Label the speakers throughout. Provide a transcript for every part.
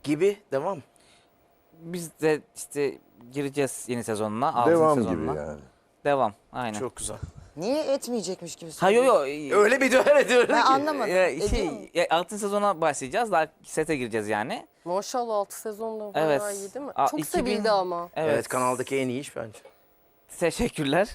Speaker 1: Gibi devam.
Speaker 2: Biz de işte gireceğiz yeni sezonuna. 6.
Speaker 3: Devam
Speaker 2: sezonuna.
Speaker 3: gibi yani.
Speaker 2: Devam. Aynen.
Speaker 1: Çok güzel.
Speaker 4: Niye etmeyecekmiş gibi
Speaker 2: Ha yo
Speaker 4: söylüyorsun?
Speaker 2: yo.
Speaker 1: Öyle bir dönem ediyorum
Speaker 4: Ben
Speaker 1: ki.
Speaker 4: anlamadım. Ediyor mu?
Speaker 2: 6. sezona başlayacağız. Daha sete gireceğiz yani.
Speaker 5: Maşallah 6 sezonda
Speaker 2: Evet.
Speaker 5: bayağı iyi değil mi?
Speaker 2: Aa,
Speaker 5: Çok
Speaker 2: 2000
Speaker 5: sevildi ama.
Speaker 1: Evet, kanaldaki en iyi iş bence.
Speaker 2: Teşekkürler.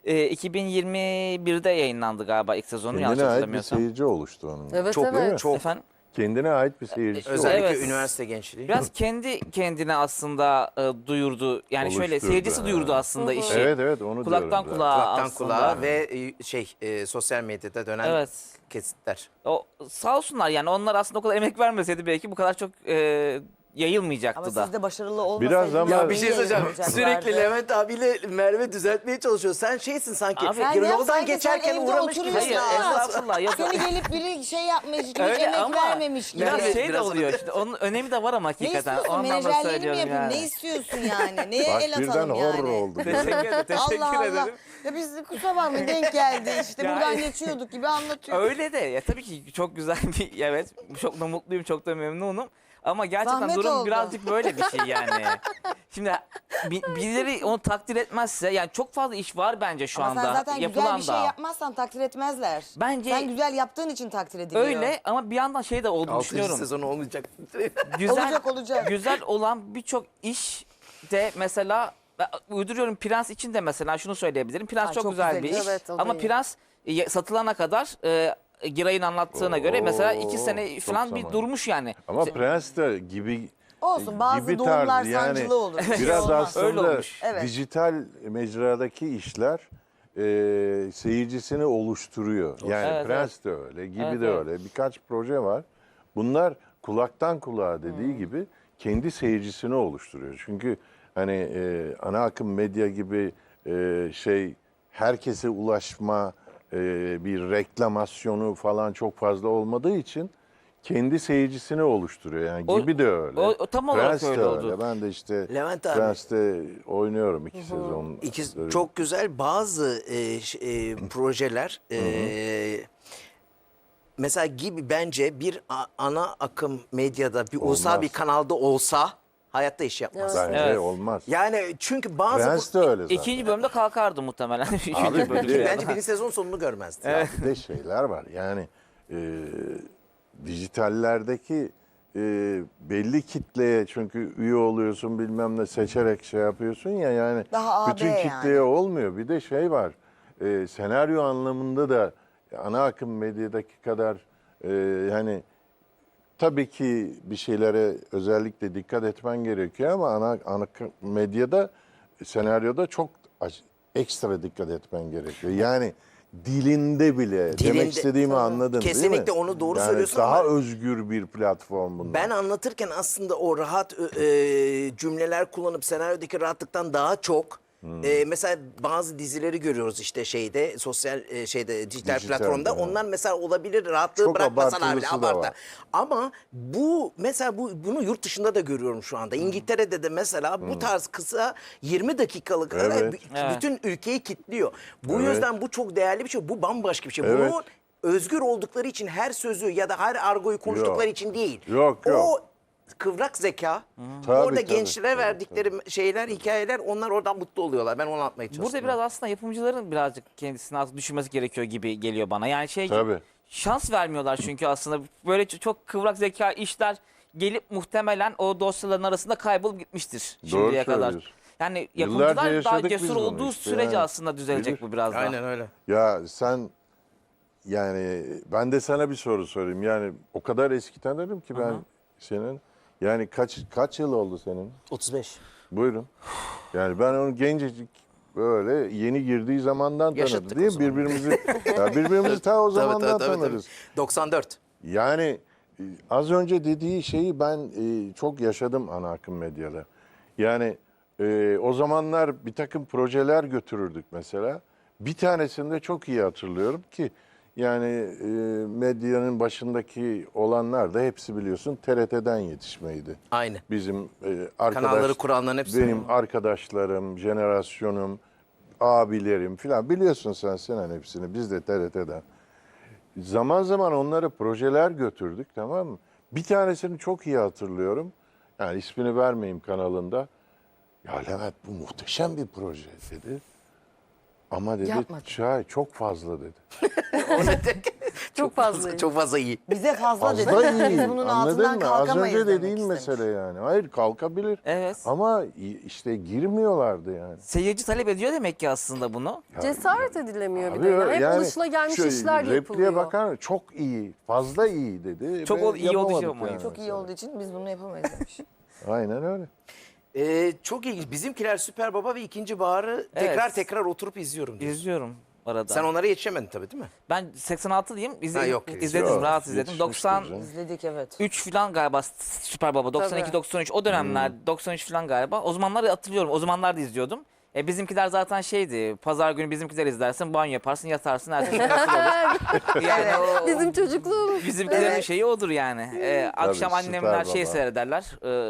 Speaker 2: 2021'de yayınlandı galiba ilk sezonu. Yanlış
Speaker 3: Kendine ait bir
Speaker 2: hatırlamıyorsam.
Speaker 3: seyirci oluştu onun.
Speaker 5: Evet
Speaker 1: Çok,
Speaker 5: evet.
Speaker 1: çok.
Speaker 2: Efendim?
Speaker 3: Kendine ait bir seyircisi
Speaker 1: Özellikle
Speaker 2: Evet.
Speaker 1: üniversite gençliği.
Speaker 2: Biraz kendi kendine aslında duyurdu. Yani şöyle
Speaker 3: Oluşturdu,
Speaker 2: seyircisi
Speaker 3: ha.
Speaker 2: duyurdu aslında işi.
Speaker 3: Evet evet onu
Speaker 2: Kulaktan
Speaker 3: diyorum zaten.
Speaker 2: kulağa
Speaker 1: Kulaktan
Speaker 2: aslında.
Speaker 1: kulağa ve sosyal medyada dönen
Speaker 2: Evet.
Speaker 1: kesitler.
Speaker 2: O, sağ olsunlar yani onlar aslında o kadar emek vermeseydi belki bu kadar çok yayılmayacaktı
Speaker 4: Ama
Speaker 2: da.
Speaker 4: siz de başarılı olmasaydınız.
Speaker 3: Biraz ama-
Speaker 1: Ya bir şey söyleyeceğim.
Speaker 4: yayınlanacaklardı.
Speaker 1: Sürekli Levent abiyle Merve düzeltmeye çalışıyor. Sen şeysin sanki.
Speaker 2: Abi-
Speaker 4: Sen
Speaker 1: yoldan
Speaker 4: yapsaydın,
Speaker 1: geçerken
Speaker 4: sen evde
Speaker 1: uğramış gibi.
Speaker 4: oturuyorsun
Speaker 2: Hayır
Speaker 4: ama.
Speaker 2: estağfurullah. Yok.
Speaker 4: Seni gelip biri şey yapmış gibi
Speaker 2: Öyle
Speaker 4: emek
Speaker 2: ama
Speaker 4: vermemiş gibi.
Speaker 2: biraz
Speaker 1: Evet,
Speaker 2: şey de
Speaker 1: biraz
Speaker 2: oluyor
Speaker 1: öyle.
Speaker 2: işte. Onun önemi de var ama
Speaker 4: Ne
Speaker 2: hakikaten.
Speaker 4: istiyorsun?
Speaker 2: O anlamda
Speaker 4: Menajerliğini mi
Speaker 2: söylüyorum
Speaker 4: yapayım?
Speaker 2: yani.
Speaker 4: Ne istiyorsun yani? Neye
Speaker 3: Bak
Speaker 4: el
Speaker 3: birden
Speaker 4: atalım
Speaker 3: horror
Speaker 4: yani?
Speaker 3: oldu.
Speaker 2: Teşekkür ederim. Teşekkür
Speaker 4: Allah Allah.
Speaker 2: ederim.
Speaker 4: Ya biz de kusura bakmayın denk geldi işte
Speaker 2: Ya-
Speaker 4: buradan geçiyorduk gibi anlatıyor.
Speaker 2: Öyle de ya tabii ki çok güzel bir evet çok da mutluyum çok da memnunum. Ama gerçekten
Speaker 4: Zahmet
Speaker 2: durum
Speaker 4: oldu.
Speaker 2: birazcık böyle bir şey yani. Şimdi birileri onu takdir etmezse yani çok fazla iş var bence şu
Speaker 4: Ama
Speaker 2: anda
Speaker 4: sen zaten
Speaker 2: yapılan
Speaker 4: güzel bir şey
Speaker 2: da.
Speaker 4: yapmazsan takdir etmezler.
Speaker 2: Bence
Speaker 4: Sen güzel yaptığın için takdir ediliyor.
Speaker 2: öyle ama bir yandan şey de olduğunu
Speaker 1: 6.
Speaker 2: düşünüyorum.
Speaker 1: sezon olmayacak.
Speaker 2: Güzel,
Speaker 4: Olacak.
Speaker 2: güzel olan birçok iş de mesela ben uyduruyorum Prens için de mesela şunu söyleyebilirim. Prens
Speaker 4: Ay,
Speaker 2: çok
Speaker 4: çok
Speaker 2: güzel
Speaker 4: güzel
Speaker 2: bir
Speaker 4: iş.
Speaker 2: iş.
Speaker 5: Evet, o da
Speaker 2: Ama
Speaker 5: iyi.
Speaker 2: Prens satılana kadar Giray'ın anlattığına göre mesela 2 sene
Speaker 3: çok
Speaker 2: falan bir
Speaker 3: zaman.
Speaker 2: durmuş yani.
Speaker 3: Ama Prens de gibi
Speaker 4: Olsun bazı
Speaker 3: gibi
Speaker 4: doğumlar
Speaker 3: tarzı yani
Speaker 4: sancılı olur. Bir şey
Speaker 3: biraz
Speaker 4: olmaz.
Speaker 2: Öyle
Speaker 3: aslında
Speaker 2: olmuş.
Speaker 4: Evet.
Speaker 3: dijital mecradaki işler seyircisini oluşturuyor. Yani
Speaker 2: Evet,
Speaker 3: Prens de öyle, gibi
Speaker 2: Evet,
Speaker 3: de
Speaker 2: evet.
Speaker 3: öyle. Birkaç proje var. Bunlar kulaktan kulağa dediği gibi kendi seyircisini oluşturuyor. Çünkü hani ana akım medya gibi herkese ulaşma bir reklamasyonu falan çok fazla olmadığı için kendi seyircisini oluşturuyor. Yani
Speaker 2: O-
Speaker 3: gibi de öyle.
Speaker 2: o tam olarak
Speaker 3: Prens de
Speaker 2: öyle oldu.
Speaker 3: Ben de işte
Speaker 1: Levent abi.
Speaker 3: Prens'te oynuyorum 2 sezon.
Speaker 1: Çok güzel bazı projeler mesela gibi bence bir ana akım medyada bir ulusal
Speaker 3: Olmaz.
Speaker 1: bir kanalda olsa hayatta iş yapmaz.
Speaker 3: Bence
Speaker 2: Evet.
Speaker 3: olmaz.
Speaker 1: Yani çünkü bazı
Speaker 3: Prens de öyle zaten.
Speaker 2: İkinci bölümde kalkardı muhtemelen. Üçüncü
Speaker 3: Abi
Speaker 2: bölümde.
Speaker 3: bir de-
Speaker 1: bence birinci sezon sonunu görmezdi.
Speaker 3: Ya bir de şeyler var. Yani dijitallerdeki belli kitleye çünkü üye oluyorsun bilmem ne seçerek şey yapıyorsun ya yani
Speaker 4: Daha AB
Speaker 3: bütün
Speaker 4: yani.
Speaker 3: kitleye olmuyor. Bir de şey var. Senaryo anlamında da ana akım medyadaki kadar hani tabii ki bir şeylere özellikle dikkat etmen gerekiyor ama ana akım medyada senaryoda çok ekstra dikkat etmen gerekiyor. Yani dilinde bile
Speaker 1: Dilinde,
Speaker 3: demek istediğimi anladın değil mi?
Speaker 1: Kesinlikle onu doğru
Speaker 3: yani
Speaker 1: söylüyorsun
Speaker 3: daha
Speaker 1: ama-
Speaker 3: özgür bir platform bunlar.
Speaker 1: Ben anlatırken aslında o rahat cümleler kullanıp senaryodaki rahatlıktan daha çok mesela bazı dizileri görüyoruz işte sosyal dijital
Speaker 3: Dijitalde,
Speaker 1: platformda.
Speaker 3: ha.
Speaker 1: Onlar mesela olabilir rahatlığı
Speaker 3: Çok
Speaker 1: bırakmasalar bile
Speaker 3: abartılısı da
Speaker 1: abartı.
Speaker 3: var.
Speaker 1: Ama mesela bunu yurt dışında da görüyorum şu anda. İngiltere'de de mesela bu tarz kısa 20 dakikalık
Speaker 3: Evet.
Speaker 1: bütün ülkeyi kilitliyor. Bu
Speaker 3: Evet.
Speaker 1: yüzden bu çok değerli bir şey. Bu bambaşka bir şey.
Speaker 3: Evet.
Speaker 1: Bunu özgür oldukları için her sözü ya da her argoyu konuştukları
Speaker 3: Yok.
Speaker 1: için değil.
Speaker 3: Yok.
Speaker 1: O kıvrak zeka,
Speaker 3: Tabii,
Speaker 1: orada
Speaker 3: tabii,
Speaker 1: gençlere
Speaker 3: tabii,
Speaker 1: verdikleri şeyler, hikayeler onlar oradan mutlu oluyorlar. Ben onu anlatmaya çalıştım.
Speaker 2: Burada biraz aslında yapımcıların birazcık kendisini az düşünmesi gerekiyor gibi geliyor bana. Yani
Speaker 3: Tabii.
Speaker 2: şans vermiyorlar çünkü aslında böyle çok kıvrak zeka işler gelip muhtemelen o dosyaların arasında kaybolup gitmiştir şimdiye kadar.
Speaker 3: söylüyorsun.
Speaker 2: Yani
Speaker 3: Yıllarca
Speaker 2: yapımcılar daha
Speaker 3: yaşadık biz
Speaker 2: cesur
Speaker 3: bunu
Speaker 2: olduğu
Speaker 3: işte
Speaker 2: sürece
Speaker 3: yani.
Speaker 2: aslında düzelecek
Speaker 3: Bilir.
Speaker 2: bu biraz daha.
Speaker 1: Aynen öyle.
Speaker 3: Ya sen yani ben de sana bir soru sorayım. Yani o kadar eski tanırım ki ben senin. Yani kaç yıl oldu senin?
Speaker 1: 35.
Speaker 3: Buyurun. Yani ben onu gencecik böyle yeni girdiği zamandan
Speaker 1: Yaşattık
Speaker 3: tanıdım değil
Speaker 1: o
Speaker 3: mi?
Speaker 1: zaman.
Speaker 3: Birbirimizi ta o zamandan
Speaker 1: tabii.
Speaker 3: tanırız.
Speaker 1: 94.
Speaker 3: Yani az önce dediği şeyi ben çok yaşadım ana akım medyada. Yani o zamanlar bir takım projeler götürürdük mesela. Bir tanesini de çok iyi hatırlıyorum ki yani medyanın başındaki olanlar da hepsi biliyorsun TRT'den yetişmeydi.
Speaker 1: Aynı.
Speaker 3: Bizim
Speaker 1: Kanalları kuranların hepsi.
Speaker 3: benim arkadaşlarım, jenerasyonum, abilerim filan biliyorsun sen hepsini biz de TRT'den. Zaman zaman onlara projeler götürdük tamam mı? Bir tanesini çok iyi hatırlıyorum. Yani ismini vermeyeyim kanalında. Ya Levent bu muhteşem bir proje dedi. Ama dedi
Speaker 5: Yapmadı.
Speaker 3: çay çok fazla dedi.
Speaker 5: Çok fazla.
Speaker 1: Çok fazla iyi.
Speaker 4: Bize fazla dedi.
Speaker 3: Fazla iyi.
Speaker 4: Biz bunun
Speaker 3: Anladın
Speaker 4: altından
Speaker 3: mı? Az
Speaker 4: kalkamayız
Speaker 3: önce
Speaker 4: demek
Speaker 3: dediğin
Speaker 4: istemiş.
Speaker 3: mesele yani. Hayır kalkabilir.
Speaker 2: Evet.
Speaker 3: Ama işte girmiyorlardı yani.
Speaker 2: Seyirci talep ediyor demek ki aslında bunu.
Speaker 5: Cesaret edilemiyor bir
Speaker 3: Abi
Speaker 5: de. Yani hep
Speaker 3: yani
Speaker 5: alışılagelmiş
Speaker 3: şu
Speaker 5: işler
Speaker 3: repliğe
Speaker 5: yapılıyor.
Speaker 3: bakar çok iyi, fazla iyi dedi.
Speaker 2: Çok
Speaker 3: ve
Speaker 2: iyi olduğu için
Speaker 3: yapamadık
Speaker 2: ama
Speaker 4: Çok iyi olduğu için biz bunu yapamayız demiş.
Speaker 3: Aynen öyle.
Speaker 1: Çok ilginç. Bizimkiler Süper Baba ve İkinci Bahar'ı
Speaker 2: Evet.
Speaker 1: tekrar oturup izliyorum diyorsun.
Speaker 2: İzliyorum arada.
Speaker 1: Sen onlara yetişemedin tabii değil mi?
Speaker 2: Ben 86'lıyım.
Speaker 1: Ha, yok,
Speaker 2: İzledim,
Speaker 3: yok.
Speaker 2: rahat izledim.
Speaker 3: Yetişmiştir
Speaker 2: 93
Speaker 3: canım.
Speaker 4: İzledik evet.
Speaker 2: falan galiba Süper Baba. 92-93 o dönemler. 93 falan galiba. O zamanlar hatırlıyorum. O zamanlar da izliyordum. Bizimkiler zaten şeydi. Pazar günü bizimkiler izlersin, banyo yaparsın, yatarsın, ertesi gün nasıl olur? Yani o,
Speaker 5: Bizim çocukluğumuz.
Speaker 2: bizimkilerin
Speaker 4: Evet.
Speaker 2: şeyi odur yani. Akşam
Speaker 3: Süper
Speaker 2: annemler şey
Speaker 3: Baba.
Speaker 2: seyrederler.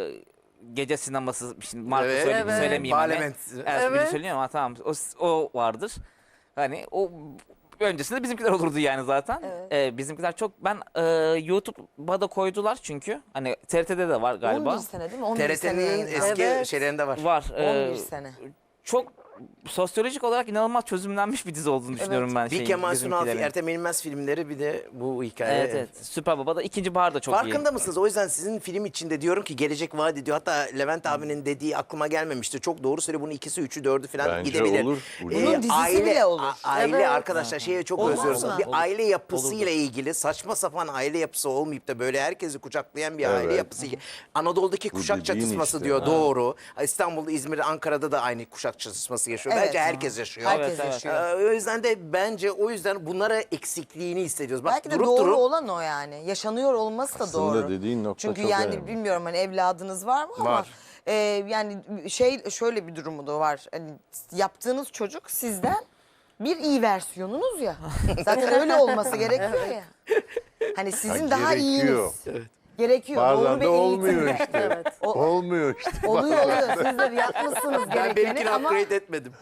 Speaker 2: Gece sineması, şimdi marka
Speaker 1: Evet.
Speaker 2: söylemeyeyim hani.
Speaker 1: Parlament.
Speaker 2: Evet. Söylüyorum ama tamam. O vardır. Hani o öncesinde bizimkiler olurdu yani zaten. Bizimkiler çok ben YouTube'a da koydular çünkü. Hani TRT'de de var galiba.
Speaker 4: 11 sene değil mi? 11 sene
Speaker 1: TRT'nin
Speaker 4: yayınlandı.
Speaker 1: eski
Speaker 5: Evet.
Speaker 1: şeylerinde var.
Speaker 2: Var.
Speaker 4: 11 sene.
Speaker 2: Çok sosyolojik olarak inanılmaz çözümlenmiş bir dizi olduğunu düşünüyorum ben.
Speaker 1: Bir Kemal Sunal,
Speaker 2: bizimkilerin.
Speaker 1: Ertem Eğilmez filmleri bir de bu hikaye.
Speaker 2: Evet evet. Süper Baba'da ikinci bahar da çok iyi.
Speaker 1: Farkında mısınız? O yüzden sizin film içinde diyorum ki gelecek vaat ediyor. Hatta Levent abinin dediği aklıma gelmemişti. Çok doğru söylüyor. Bunun ikisi, üçü, dördü falan
Speaker 3: Bence
Speaker 1: gidebilir.
Speaker 3: olur.
Speaker 4: Bunun dizisi bile olur.
Speaker 1: Aile
Speaker 5: Evet.
Speaker 1: arkadaşlar şeye çok
Speaker 4: Olmaz
Speaker 1: özlüyoruz.
Speaker 4: mı?
Speaker 1: Bir aile yapısıyla ilgili saçma sapan aile yapısı olmayıp da böyle herkesi kucaklayan bir aile
Speaker 3: Evet.
Speaker 1: yapısı. Anadolu'daki kuşak
Speaker 3: dediğin
Speaker 1: çatışması
Speaker 3: işte.
Speaker 1: diyor. Doğru. İstanbul'da, İzmir'de, Ankara'da da aynı kuşak çatışması yaşıyor.
Speaker 4: Evet.
Speaker 1: Bence herkes yaşıyor.
Speaker 4: Herkes
Speaker 2: Evet,
Speaker 4: yaşıyor.
Speaker 1: O yüzden de bence o yüzden bunlara eksikliğini hissediyoruz. Bak
Speaker 4: Belki de
Speaker 1: durup
Speaker 4: doğru
Speaker 1: durup
Speaker 4: olan o yani. Yaşanıyor olması da
Speaker 3: Aslında
Speaker 4: doğru.
Speaker 3: dediğin nokta
Speaker 4: Çünkü
Speaker 3: çok
Speaker 4: yani
Speaker 3: önemli.
Speaker 4: bilmiyorum hani evladınız var mı ama
Speaker 1: Var.
Speaker 4: yani şöyle bir durumu da var. Hani yaptığınız çocuk sizden bir iyi versiyonunuz ya. Zaten öyle olması gerekiyor ya. Hani sizin daha
Speaker 3: gerekiyor.
Speaker 4: iyiniz. Gerekiyor. Doğru
Speaker 3: Bazen
Speaker 4: bir
Speaker 3: de
Speaker 4: eğitim.
Speaker 3: olmuyor işte. Olmuyor işte.
Speaker 4: Oluyor. Siz de yapmışsınız
Speaker 1: ben
Speaker 4: gerekeni
Speaker 1: benimkini
Speaker 4: ama
Speaker 1: upgrade etmedim.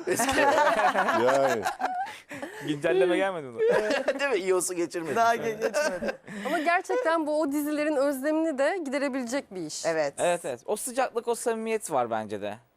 Speaker 3: Yani.
Speaker 2: Güncelleme gelmedi mi?
Speaker 1: Değil mi? İOS'u geçirmedim.
Speaker 4: daha geçmedi.
Speaker 5: Ama gerçekten bu o dizilerin özlemini de giderebilecek bir iş.
Speaker 4: Evet.
Speaker 2: Evet evet. O sıcaklık, o samimiyet var bence de.